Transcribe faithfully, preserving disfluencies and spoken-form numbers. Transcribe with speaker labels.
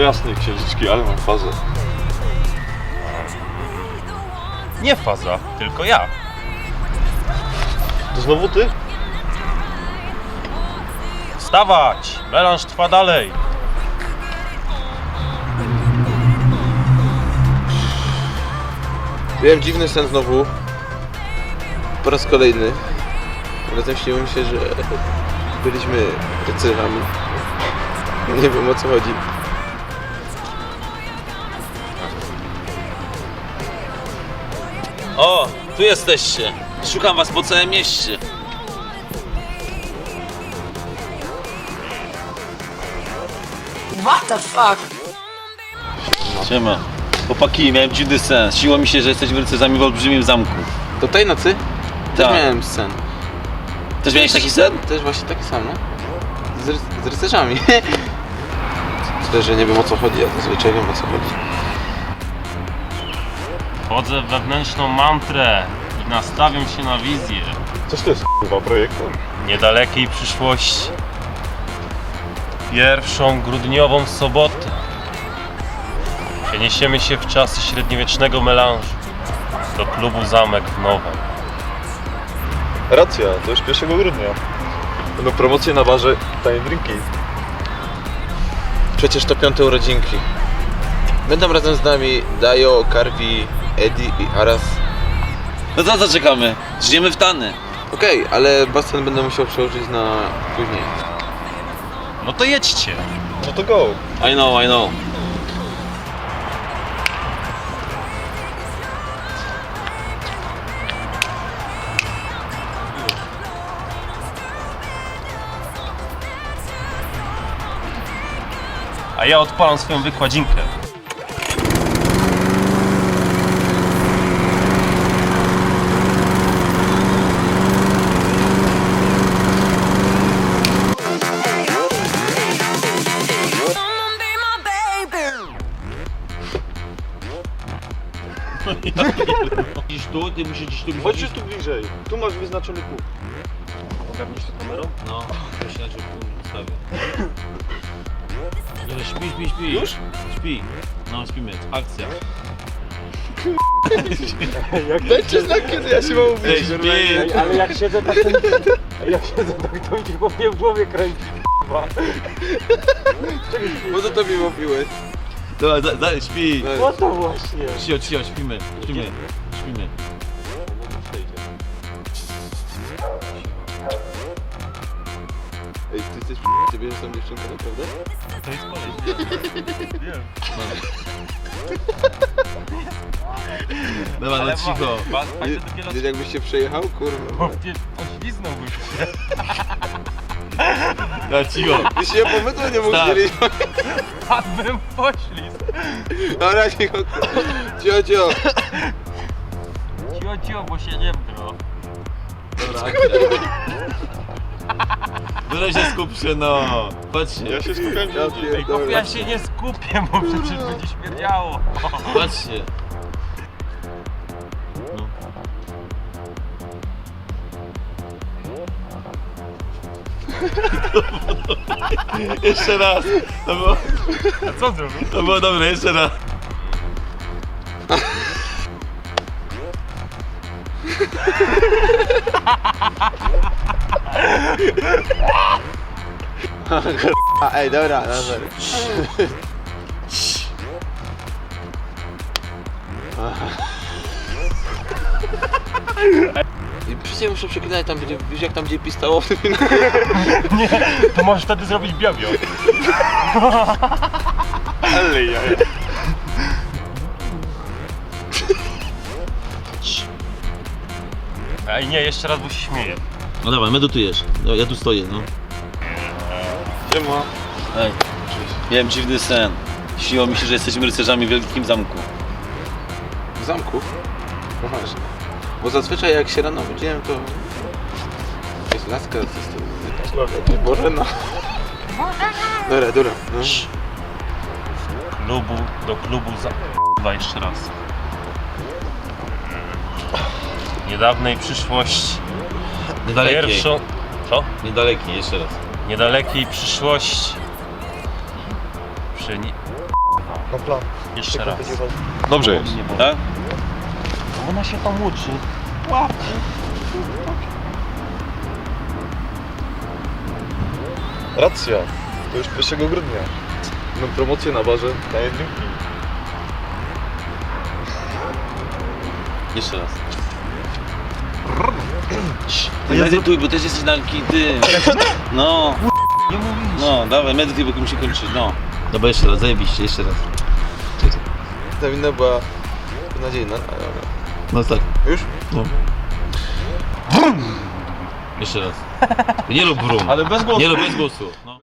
Speaker 1: jasne, księżyczki, ale mam fazę.
Speaker 2: Nie faza, tylko ja.
Speaker 1: To znowu ty?
Speaker 2: Wstawać! Melanż trwa dalej.
Speaker 3: Miałem dziwny sen znowu. Po raz kolejny. Razem śniło mi się, że byliśmy rycerzami. Nie wiem, o co chodzi.
Speaker 4: O, tu jesteście. Szukam was po całym mieście.
Speaker 5: What the fuck?
Speaker 4: Siema. Chłopaki, miałem dziwny sen. Śniło mi się, że jesteśmy rycerzami w olbrzymim zamku.
Speaker 3: Do tej nocy też
Speaker 4: Tak.
Speaker 3: miałem sen.
Speaker 4: Też miałeś taki sen?
Speaker 3: Też właśnie taki sam, no. Z, ry z rycerzami. Tyle, że nie wiem, o co chodzi, a zazwyczaj wiem, o co chodzi.
Speaker 2: Wchodzę w wewnętrzną mantrę i nastawiam się na wizję
Speaker 1: Coś to jest chyba projektor?
Speaker 2: niedalekiej przyszłości. Pierwszą grudniową sobotę przeniesiemy się w czasy średniowiecznego melanżu do klubu Zamek w Nowem.
Speaker 1: Racja, to już pierwszego grudnia. Będą promocje na barze, tanie drinki.
Speaker 3: Przecież to piąte urodzinki. Będą razem z nami Dajo, Karwi, Eddie i Aras.
Speaker 4: No to co czekamy? Żyjemy w Tany.
Speaker 3: Okej, okay, ale basen będę musiał przełożyć na później.
Speaker 2: No to jedźcie.
Speaker 1: No to go.
Speaker 4: I know, I know.
Speaker 2: A ja odpalam swoją wykładzinkę.
Speaker 4: Idziesz tu, ty musisz gdzieś tu
Speaker 1: Chodź tu bliżej. Tu masz wyznaczony punkt.
Speaker 2: Ogarniesz to kamerą?
Speaker 4: No, myślę, że tu ustawię. Nie, śpi, śpi, śpi.
Speaker 1: Już?
Speaker 4: Śpi. No, śpimy. Akcja.
Speaker 3: Dajcie znak, kiedy ja się mam
Speaker 4: Ej,
Speaker 3: ubić.
Speaker 4: śpi.
Speaker 6: Ale jak siedzę tak, ten, jak siedzę tak, to mi się po mnie w głowie kręci.
Speaker 3: Po co to mi mówiłeś?
Speaker 4: Dobra, da, da, śpi.
Speaker 6: Po to właśnie.
Speaker 4: Cio, cio, śpimy. Śpimy. Śpimy.
Speaker 3: Ej, ty jesteś ty bierzesz tą dziewczynkę, naprawdę?
Speaker 2: To jest kolej. Wiem.
Speaker 4: Dobra, no cicho.
Speaker 3: Nie, nie jakbyś się przejechał, kurwa.
Speaker 2: Pośliznąłbyś się.
Speaker 4: No cicho.
Speaker 3: Ty się pomydło nie mógł
Speaker 4: Tak.
Speaker 3: zdzielić.
Speaker 2: Padłbym w poślizg.
Speaker 3: Dobra, cicho. Cio, cio.
Speaker 2: Cio, cio, bo się nie bro.
Speaker 4: Dobra, akcja. Dobra, się skup się, no. Patrzcie,
Speaker 1: Ja się skupiam
Speaker 3: Ja
Speaker 1: gdzie indziej.
Speaker 2: Ej, bo ja się nie skupię, bo przecież będzie śmierdziało.
Speaker 4: patrzcie. No. Jeszcze raz. To było,
Speaker 2: A co zrobił?
Speaker 4: to było dobre, jeszcze raz.
Speaker 3: A, ej, dobra, dobra. I przecież muszę przeklinać tam, gdzie, wiesz jak tam gdzie pistało w tym filmie?
Speaker 2: Nie, to możesz wtedy zrobić biobio.
Speaker 1: Ale ja.
Speaker 2: Ej, nie, jeszcze raz, bo się śmieję.
Speaker 4: No dobra, medytujesz. No, ja tu stoję, no.
Speaker 1: Siema.
Speaker 4: Ej, miałem dziwny sen. Śniło mi się, że jesteśmy rycerzami w wielkim zamku.
Speaker 3: W zamku? No właśnie. Bo zazwyczaj jak się rano budziłem, to jest laska ze strony. Boże, no. Dobra, dobra. No.
Speaker 2: Klubu, do klubu za... Chyba jeszcze raz. Niedawnej przyszłości.
Speaker 4: Niedalekiej.
Speaker 2: Pierwszą... Co?
Speaker 4: Niedalekiej, jeszcze raz.
Speaker 2: Niedalekiej przyszłości. Przy...
Speaker 1: Na plan.
Speaker 2: Jeszcze raz.
Speaker 1: Dobrze jest.
Speaker 4: Tak?
Speaker 2: Ona się tam uczy.
Speaker 1: Racja. To już pierwszego grudnia. Będą promocje na barze. Daję drinki.
Speaker 4: Jeszcze raz. Ty medytuj, bo też jesteś na ty. No.
Speaker 2: Nie mówisz.
Speaker 4: No, dawaj, medytuj, bo musi kończyć, no. Dobra, jeszcze raz, zajebiście, jeszcze raz.
Speaker 3: Ta winna była beznadziejna, ale...
Speaker 4: No tak.
Speaker 3: Już?
Speaker 4: No. Jeszcze raz. Nie rób brum.
Speaker 1: Ale bez głosu.
Speaker 4: Nie rób bez głosu. No.